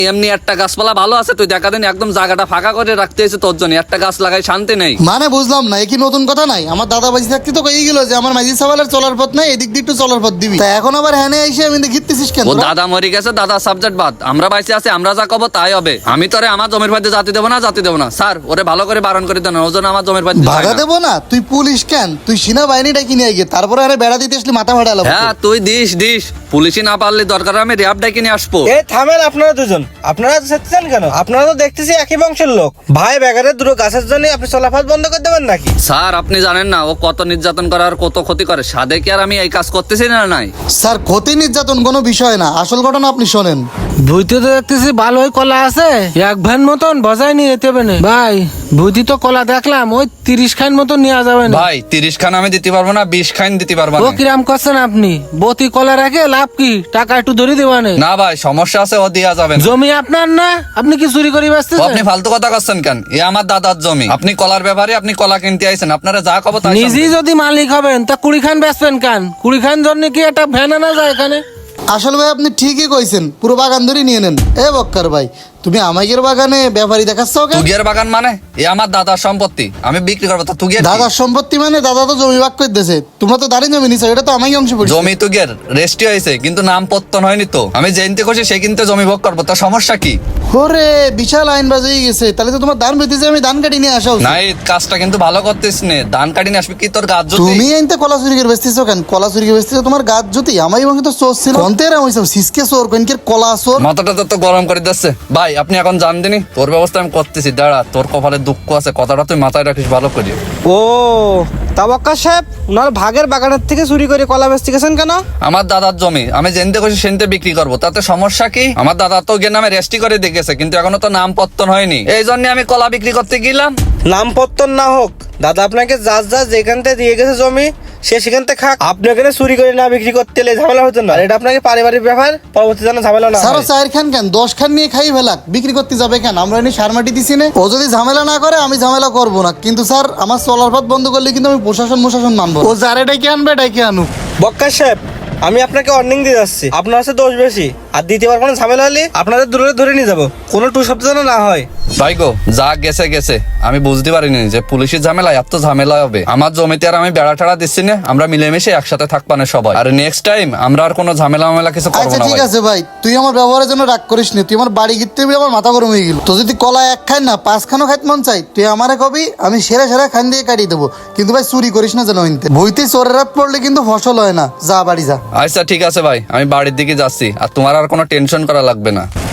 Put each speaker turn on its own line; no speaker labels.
এমনি একটা গাছপালা ভালো আছে, তুই দেখা দিন একদম জায়গাটা ফাঁকা করে রাখতে হয়েছে তোর জন্য। একটা গাছ লাগাই শান্তি নেই।
মানে বুঝলাম না, এ কি নতুন কথা নাই? আমার দাদা বাজি থাকতে তো কই গেল যে আমার মাঝি সাবালের চলার পথ নাই, এদিক দিয়ে একটু চলার পথ দিবি। তা এখন আবার হ্যানে এসে আমি ঘিরতেছিস কেন?
ও দাদা মরে গেছে, দাদা সাবজেক্ট বাদ। আমরা বাইসে আছি, আমরা যা কব তাই হবে। আমি তোরে আমার জমির বাড়িতে জাতি দেবো না, জাতি দেবো না। স্যার ওরে ভালো করে বারণ করে দেন, ওজন আমার জমির বাড়িতে
ভাড়া দেবো না? তুই পুলিশ কেন? তুই সেনাবাহিনীটা কিনে গিয়ে তারপরে আরে বেড়া দিতে আসলে মাথা ভাড়া লাগবে।
হ্যাঁ তুই দিস দিস, পুলিশই না পারলে দরকার আমি র্যাব ডাকি নিয়ে আসবো।
এই থামেন আপনারা দুজন, আপনারা চেঁচাচ্ছেন কেন? আপনারা তো দেখতেছি একই বংশের লোক। ভাই বেগারের দুটো গাছের জন্য আপনি চলাফাত বন্ধ করে দেবেন নাকি?
স্যার আপনি জানেন না ও কত নির্যাতন করে আর কত ক্ষতি করে। সাদে কি আর আমি এই কাজ করতেছি না? নাই
স্যার, ক্ষতি নির্যাতন কোনো বিষয় না, আসল ঘটনা আপনি শোনেন।
ভুইতে তো দেখতেছি ভালোই কলা আছে, এক ভ্যান মতন বজায় নিয়ে যেতে হবে না ভাই। ভুইতে তো কলা দেখলাম ওই 30 খান মতন নেওয়া যাবে না
ভাই। 30 খান আমি দিতে পারবো না, 20 খান দিতে পারবো
ও
না।
কিরাম করছেন আপনি? বতি কলা রেখে লাভ কি? টাকা একটু ধরে দেবানে।
না ভাই সমস্যা আছে, ও দেয়া যাবে না।
জমি আপনার না, আপনি কি চুরি করে
ও
ব্যস্তেছেন?
আপনি ফালতু কথা করছেন কেন? এ আমার দাদার জমি। আপনি কলার ব্যাপারে আপনি কলা কিনতে আইছেন, আপনারা যা কব তাই
নিজেই
শুনবেন।
যদি মালিক হবেন তা 20 খান বেচবেন কেন? 20 খান জন্য কি একটা ভ্যান আনা যায় এখানে?
আসল ভাই আপনি ঠিকই কইছেন, পুরো বাগান ধরে নিয়ে নেন। এ বক্কার ভাই, তুমি আমাদের বাগানে ব্যাপারী দেখাচ্ছ কেন?
তুগের বাগান মানে এ আমার দাদার সম্পত্তি, আমি বিক্রি করবো। তো তুগের কি?
দাদার সম্পত্তি মানে দাদা তো জমি ভাগ করে দিয়েছে, তোমরা তো দাঁড়িয়ে জমি নিছো, এটা তো আমারই অংশ পড়ছে।
জমি তুগের রেস্টি হয়েছে কিন্তু নাম পত্তন হয়নি তো। আমি জেনতে খুশি সে কিন্তু জমি ভোগ করবো, তো সমস্যা কি?
ওরে বিশাল আইন বাজ হয়ে গেছে, তাহলে তো তোমার ধান বেঁধেছে, আমি ধান কাটি নিয়ে আসা উচিত।
নাই কাজটা কিন্তু ভালো করতেছ নে। ধান কাটি নিয়ে আসবি কি তোর গাছ যদি?
তুমি আইনতে কলা চুরি করে বেচতেছো কেন? কলা চুরি করে বেচতেছো তোমার গাছ যদি, আমারই বংশে তো চোর ছিল। কন্তেরা হইছে সিসকে চোর, কনকের কলা চোর।
মাথাটা তো গরম করে দিচ্ছে ভাই। আপনি এখন জান দিনি তোর ব্যবস্থা আমি করতেছি। দাঁড়া, তোর কপালে দুঃখ আছে, কথাটা তুই মাথায় রাখিস ভালো করে।
ও তাবাক্কা সাহেব, ওনার ভাগের বাগানের থেকে চুরি করে কলা বেচতে গেছেন কেন?
আমার দাদার জমি আমি জেনতে খুশি সেনতে বিক্রি করবো, তাতে সমস্যা কি? আমার দাদা তো গিয়ে নামে রেস্টি করে দেখেছে কিন্তু এখনো তো নাম পত্তন হয়নি, এই জন্য আমি কলা বিক্রি করতে গেলাম।
নাম পত্তন না হোক, দাদা আপনাকে যা যেখান থেকে দিয়ে গেছে জমি সে সেখান থেকে খাক। আপনি ওখানে চুরি করে না বিক্রি করতে এলে ঝামেলা হতো না। এটা আপনাকে পারিবারিক ব্যাপার, পরবর্তী যেন ঝামেলা না
সারা
হয়।
4 খান কেন 10 খান নিয়ে খাই ফেলাক, বিক্রি করতে যাবে কেন? আমরা এনে সার মাটি দিছি না। ও যদি ঝামেলা না করে আমি ঝামেলা করবো না, কিন্তু স্যার আমার চলার পথ বন্ধ করলে কিন্তু আমি প্রশাসন মানবো। ও যারে ডাইকে আনবে ডাইকে আনুক।
বক্কা সাহেব, আমি আপনাকে ওয়ার্নিং দিয়ে যাচ্ছি, আপনার কাছে দোষ বেশি। আর দ্বিতীয়বার কোনো ঝামেলা হলে আপনাদের দূরে ধরে নিয়ে যাবো, কোনো টু শব্দ যেন না হয়।
ভাই গো যা গেছে গেছে, আমি বুঝতে পারিনি যে পুলিশের ঝামেলা এত ঝামেলা হবে। আমার জমিতে আর আমি বেড়া টেড়া দিচ্ছি না, আমরা মিলেমিশে একসাথে থাকবা না সবাই। আর নেক্সট টাইম আমরা আর কোনো ঝামেলা মামেলা কিছু করবো
আচ্ছা
না
ঠিক
ভাই।
আছে ভাই, তুই আমার ব্যবহারের জন্য রাগ করিস নি। তুই আমার বাড়ি গিরতে আমার মাথা গরম হয়ে গেল। তো যদি কলা 1 খান না 5 খানও খাইতে মন চাই, তুই আমারে কবি, আমি সেরা খান দিয়ে কাটিয়ে দেবো। কিন্তু ভাই চুরি করিস না যেন হইতে। বইতে চোরের রাত পড়লে কিন্তু ফসল হয় না। যা বাড়ি যা।
আচ্ছা ঠিক আছে ভাই, আমি বাড়ির দিকে যাচ্ছি, আর তোমার আর কোনো টেনশন করা লাগবে না।